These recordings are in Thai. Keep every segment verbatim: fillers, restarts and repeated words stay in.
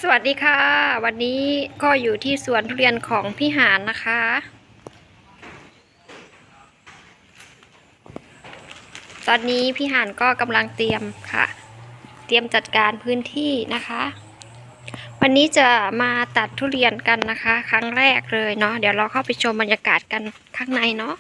สวัสดีค่ะวันนี้ก็อยู่ที่สวนทุเรียนของพี่หานนะคะ ตอนนี้พี่หานก็กำลังเตรียมค่ะเตรียมจัดการพื้นที่นะคะ วันนี้จะมาตัดทุเรียนกันนะคะ ครั้งแรกเลยเนาะเดี๋ยวเราเข้าไปชมบรรยากาศกันข้างในเนาะ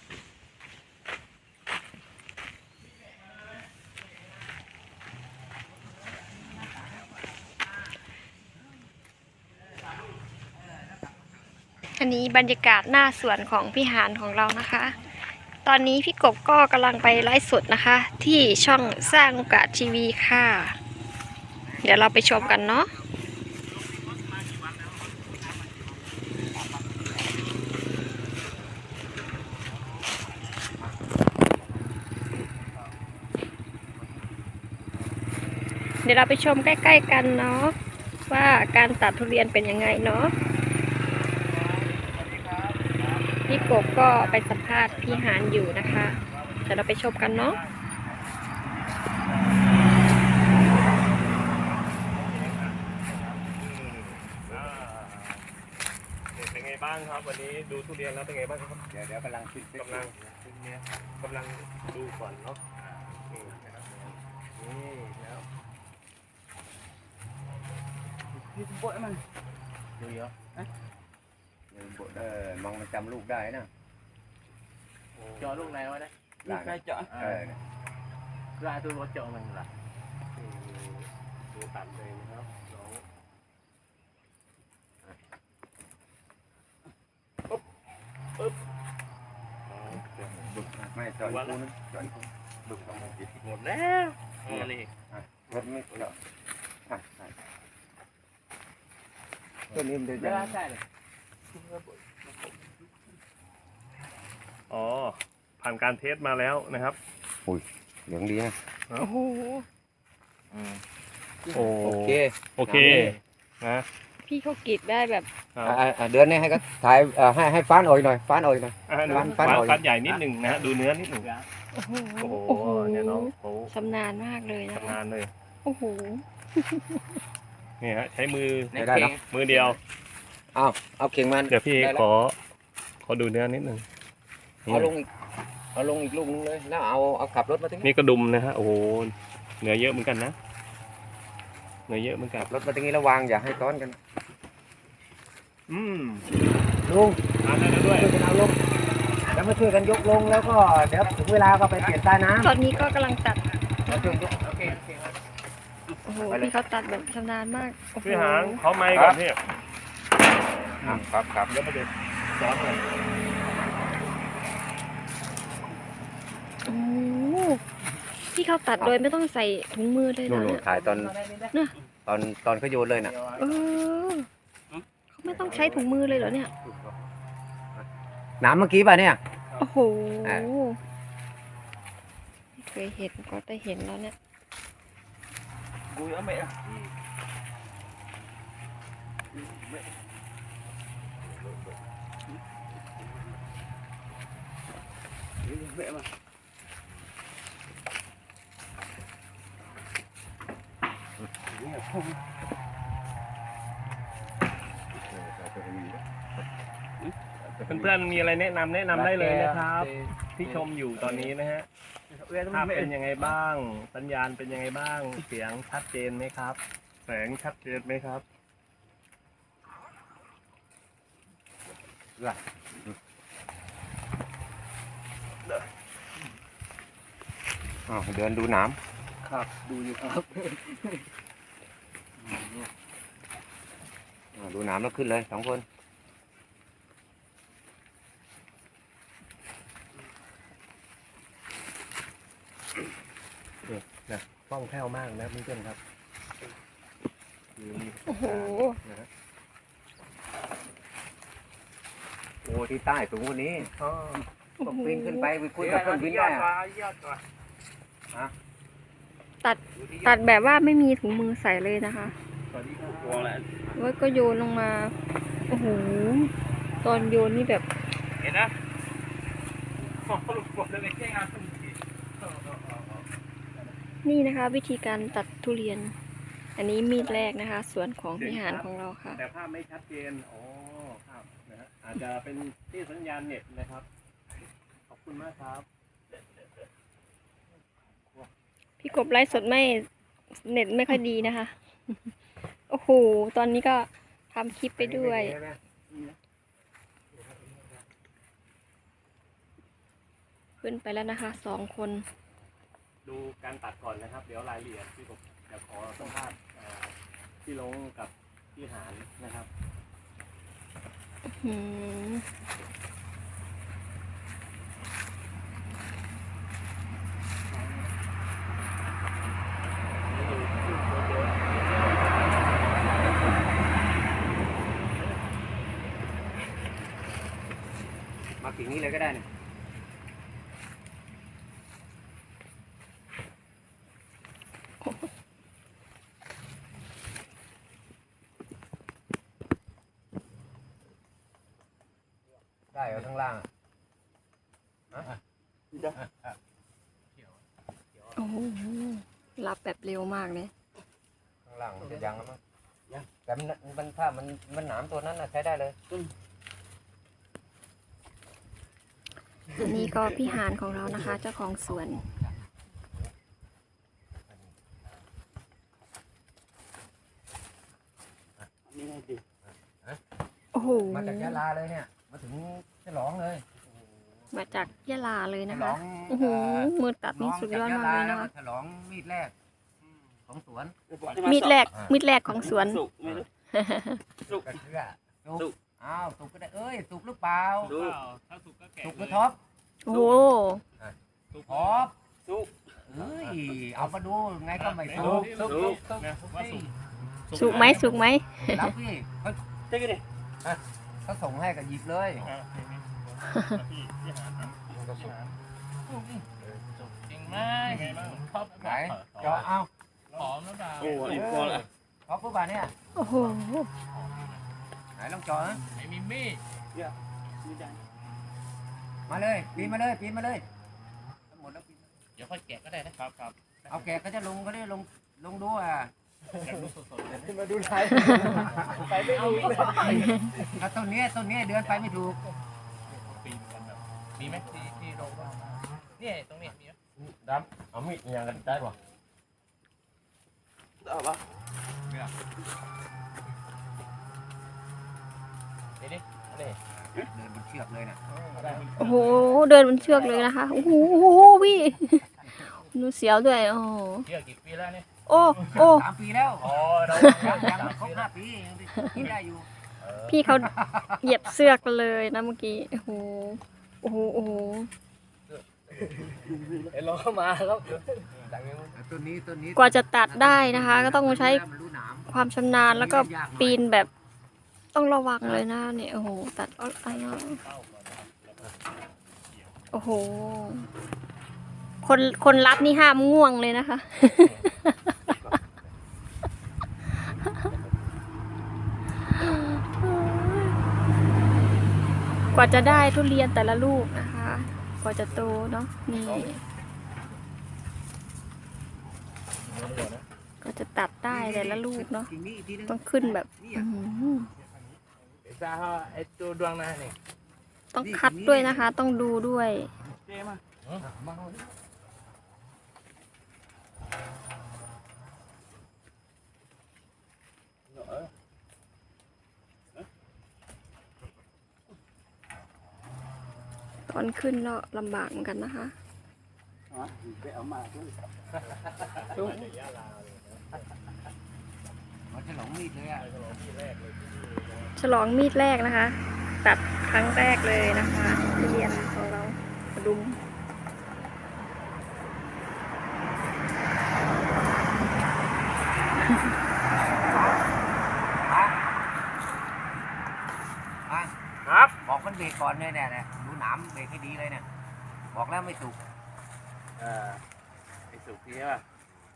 อันนี้บรรยากาศหน้าสวนของพี่หานของเรานะคะ ตอนนี้พี่กบก็กำลังไปไลฟ์สดนะคะ ที่ช่องสร้างโอกาสทีวีค่ะ เดี๋ยวเราไปชมกันเนาะเดี๋ยวเราไปชมใกล้ๆกันเนาะว่าการตัดทุเรียนเป็นยังไงเนาะพี่กบก็ไปสัมภาษณ์พี่หานอยู่นะคะเดี๋ยวเราไปชมกันเนาะเป็นไงบ้างครับวันนี้ดูทุเรียนแล้วเป็นไงบ้างครับเดี๋ยวเดี๋ยวกำลังขึ้นกำลังกำลังดูก่อนเนาะนี่นี่แล้วนี่โบดมันดูเยอะนะโบดเออมองมันจำลูกได้นะ cho lúc này thôi đấy là cái chợ ra tôi có chợ mình là ดูตัดเลยนะครับน้องปึ๊บปึ๊บบึกไม่จอดกูนึกจอดกูบึกต้องมันติดหมดแล้วนี่เลยรถไม่จอดตัวนี้เดี๋ยวจะ ra sai này อ๋อผ่านการเทสมาแล้วนะครับเหลืองดีนะโอ้โหโอ้โอเคโอเคนะพี่เขากรีดได้แบบเดือนนี้ให้ก็ถ่ายให้ให้ฟ้านอ่อยหน่อยฟ้านอ่อยหน่อยอ่ะดูฟัฟันนฟันฟันใหญ่นิดหนึ่งนะฮะดูเนื้อนิดหนึ่งโอ้โหโอ้โหโอ้โหเนี่ยน้องเขาชำนาญมากเลยนะทำคะงานเลยโอ้โหนี่ฮะใช้มือไม่ได้เนาะมือเดียวเอาเอาเข่งมันเดี๋ยวพี่ขอขอดูเนื้อนิดหนึ่งเอาลงอีกเอาลงอีกลูกนึงเลยแล้วเอาเอาขับรถมาถึงนี่กระดุมนะฮะโอ้โหเนื้อเยอะเหมือนกันนะเนื้อเยอะเหมือนกันรถมาตรงนี้แล้ววางอย่าให้ซ้อนกันอืมลุงทานได้แล้วด้วยช่วยกันเอาลงแล้วมาช่วยกันยกลงแล้วก็เดี๋ยวถึงเวลาก็ไปเปลี่ยนใต้น้ำตอนนี้ก็กำลังตัดแล้วช่วยยก ok ok โอ้โหพี่เขาตัดแบบชำนาญมากโอ้โหพี่หางเขาไม้ก่อนพี่ครับครับแล้วมาเด็ดซอสเลยโอ้โหพี่เขาตัดโดยไม่ต้องใส่ถุงมือเลยนู่นะนเนี่ยถ่ายตอนตอนตอนเขาโยนเลยน่ะเออเขาไม่ต้องใช้ถุงมือเลยเหรอเนี่ยน้ำเมื่อกี้ป่ะเนี่ยโอ้โหอ่ะไม่เคยเห็นก็ได้เห็นแล้วเนี่ย vui ở mẹ mẹ mà เพื่อนๆมีอะไรแนะนำแนะนำได้เลยนะครับ ที่ชมอยู่ตอนนี้นะฮะภาพเป็นยังไงบ้าง สัญญาณเป็นยังไงบ้าง เสียงชัดเจนไหมครับ แสงชัดเจนไหมครับอ๋อเดินดูน้ครับดูอยู่ครับำดูน้ำแล้วขึ้นเลยสองคนนะคล่องแคล่วมากนะเพื่อนๆครับโอ้โหโอ้ที่ใต้สูงกว่านี้อ๋อต้องปีนขึ้นไปไปคุยกับเครื่องบินได้อะตัดตัดแบบว่าไม่มีถุงมือใส่เลยนะคะสวัสดีครับวางแล้วแล้วก็โยนลงมา โอ้โห ตอนโยนนี่แบบเห็นนะขอลูกบอลเลยแค่งานนี่นะคะ วิธีการตัดทุเรียนอันนี้มีดแรกนะคะส่วนของพี่หานของเราค่ะแต่ภาพไม่ชัดเจนอ๋อครับนะฮะอาจจะเป็นที่สัญญาณเน็ตนะครับ ขอบคุณมากครับพี่กบไลฟ์สดไม่เน็ตไม่ค่อยดีนะคะ โอ้โห ตอนนี้ก็ทำคลิปไปด้วย ขึ้นไปแล้วนะคะสองคนดูการตัดก่อนนะครับ เดี๋ยวรายละเอียดพี่ผมจะขอสัมภาษณ์เอ่อพี่ลงกับพี่หานนะครับอืมมากิ่งนี้เลยก็ได้เนี่ยได้เอาข้างล่างอ่ะโอ้โหรับแบบเร็วมากเลยข้างล่างมันจะยังแล้วมั้งแต่มันมันถ้ามันมันหนามตัวนั้นน่ะใช้ได้เลยอันนี้ก็พี่หานของเรานะคะ เจ้าของสวนนี่ไงดิโอ้โหมาจากยะลาเลยเนี่ยมาถึงฉลองเลยมาจากยะลาเลยนะฉลคะองโอ้โหมือตัดนี่สุดยอดมากเลยนะคะฉลองมีดแรกของสวนมีดแรกมีดแรกของสวนสุกไม่รู้สุกกระเทือสุสุกกอ้าวสุกก็ได้เอ้ยสุกหรือเปล่าสุกถ้าสุกก็แกะสุกหรือท็อปโอ้โหท็อปสุกเอ้ยเอามาดูไงก็ไม่สุกสุกสุกสุกนะว่าสุกสุกไหมสุกไหมรับพี่เขาเจ๊กันดิเขาส่งให้ก็หยิบเลยอ่ะพี่พี่หานครับพี่หานจริงไหมยังไงบ้างชอบไหนเจาะเอาหอมหรือเปล่าโอ้ยพอละท็อปปุ๊บอ่ะเนี่ยโอ้โหไหนลองเจาะนะไม่มีมีดนี่ได้มาเลยปีนมาเลยปีนมาเลยหมดแล้วปีนเดี๋ยวค่อยแกะก็ได้นะครับครับเอาแกะก็จะลงก็ได้ลงลงดูอ่ะอยากดูสดๆเลยมาดูไทยไปไม่รู้เลยถ้าต้นนี้ต้นนี้เดือนไปไม่ถูกปีนกันแบบมีไหมที่ที่โรงพยาบาลเนี่ยตรงเนี้ยมีไหมดำเอามีดยังกันได้ป่ะเอาปะเดี๋ยวดิเอาดิเดินบนเชือกเลยนะโอ้โหเดินบนเชือกเลยนะคะโอ้โหพี่ดูเสียวด้วยโอ้โหเชื่อกี่ปีแล้วเนี่ยโอ้โอ้สามปีแล้วอ๋อเรายังยังไม่ครบห้าปียังกินได้อยู่พี่เขาเหยียบเสือกเลยนะเมื่อกี้โอ้โหโอ้โหโอ้โหเอ็นลองเข้ามาครับต้นนี้ต้นนี้กว่าจะตัดได้นะคะ ก็ต้องใช้มันรู้หนามความชำนาญแล้วก็ปีนแบบต้องระวังเลยนะเนี่ยโอ้โหตัดเอาอะไรโอ้โหคนคนรับนี่ห้ามง่วงเลยนะคะ กว่าจะได้ทุเรียนแต่ละลูกนะคะ กว่าจะโตเนาะนี่ก็จะตัดได้แต่ละลูกเนาะกิ่งนี้อีกทีนึงต้องขึ้นแบบอื้อหือซาฮะไอตัวดวงหน้าเนี่ยต้องคัดด้วยนะคะ ต้องดูด้วยเจ๊มามาเอาดิตอนขึ้นก็ลำบากเหมือนกันนะคะไปเอามาด้วยมันจะหลงมีดเลยอ่ะฉลองมีดแรกนะคะ ตัดครั้งแรกเลยนะคะทุเรียนของเรากระดุมอ่ะครับบอกมันเบรกก่อนเลยเนี่ยเนี่ยดูหนามเบรกให้ดีเลยเนี่ยบอกแล้วไม่สุกเออไอสุกนี่ใช่ป่ะ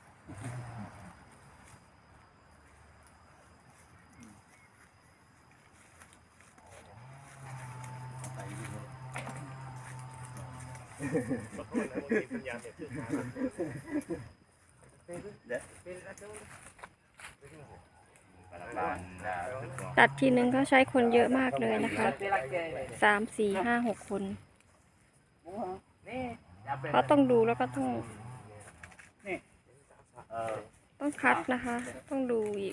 ขอโทษนะบางทีสัญญาณเน็ตขึ้นมาเดี๋ยวตัดทีนึงก็ใช้คนเยอะมากเลยนะคะสามสี่ห้าหกคนนี่จะเป็นก็ต้องดูแล้วก็ต้องเออต้องคัดนะคะ ต้องดูอีก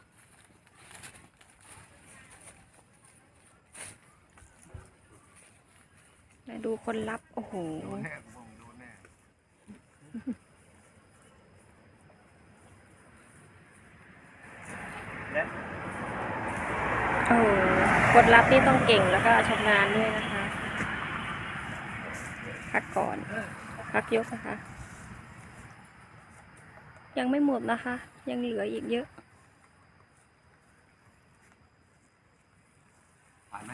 มาดูคนรับ โอ้โห โอ้โหคนรับนี่ต้องเก่งแล้วก็ชำนาญด้วยนะคะ พักก่อน พักยกนะคะ ยังไม่หมดนะคะ ยังเหลืออีกเยอะผ่านไหม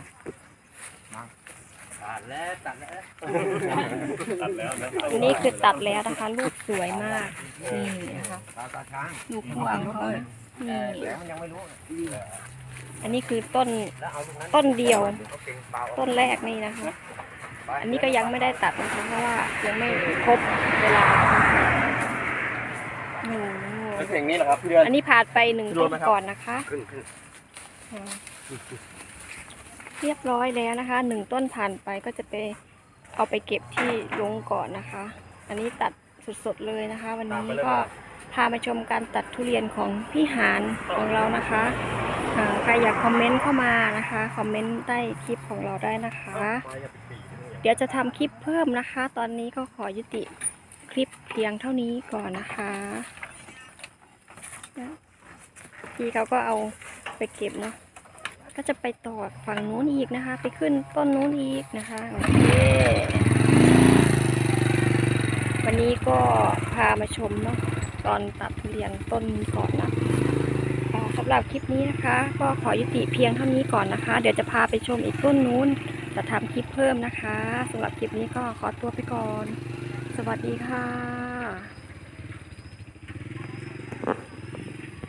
ตัดแล้วตัดแล้วตัดแล้วนะอันนี้คือตัดแล้วนะคะ ลูกสวยมาก นี่นะคะตาตาช้างลูกพวงเขานี่แล้วมันยังไม่รู้อันนี้คือต้น ต้นเดียว ต้นแรกนี่นะคะ อันนี้ก็ยังไม่ได้ตัดนะคะ เพราะว่ายังไม่ครบเวลาโอ้โหเป็นเพลงนี้เหรอครับพี่เดือนอันนี้ผ่านไปหนึ่งต้นก่อนนะคะขึ้นขึ้นอ่าเรียบร้อยแล้วนะคะ หนึ่งต้นผ่านไปก็จะไปเอาไปเก็บที่ลงก่อนนะคะ อันนี้ตัดสดๆเลยนะคะ วันนี้ก็พามาชมการตัดทุเรียนของพี่หานของเรานะคะอ่าใครอยากคอมเมนต์เข้ามานะคะ คอมเมนต์ใต้คลิปของเราได้นะคะ เดี๋ยวจะทำคลิปเพิ่มนะคะ ตอนนี้ก็ขอยุติคลิปเพียงเท่านี้ก่อนนะคะพี่เขาก็เอาไปเก็บเนาะ ก็จะไปต่อฝั่งนู้นอีกนะคะ ไปขึ้นต้นนู้นอีกนะคะ โอเค วันนี้ก็พามาชมเนาะตอนตัดทุเรียนต้นนี้ก่อนนะอ่าสำหรับคลิปนี้นะคะ ก็ขอยุติเพียงเท่านี้ก่อนนะคะ เดี๋ยวจะพาไปชมอีกต้นนู้น จะทำคลิปเพิ่มนะคะสำหรับคลิปนี้ก็ขอตัวไปก่อน สวัสดีค่ะ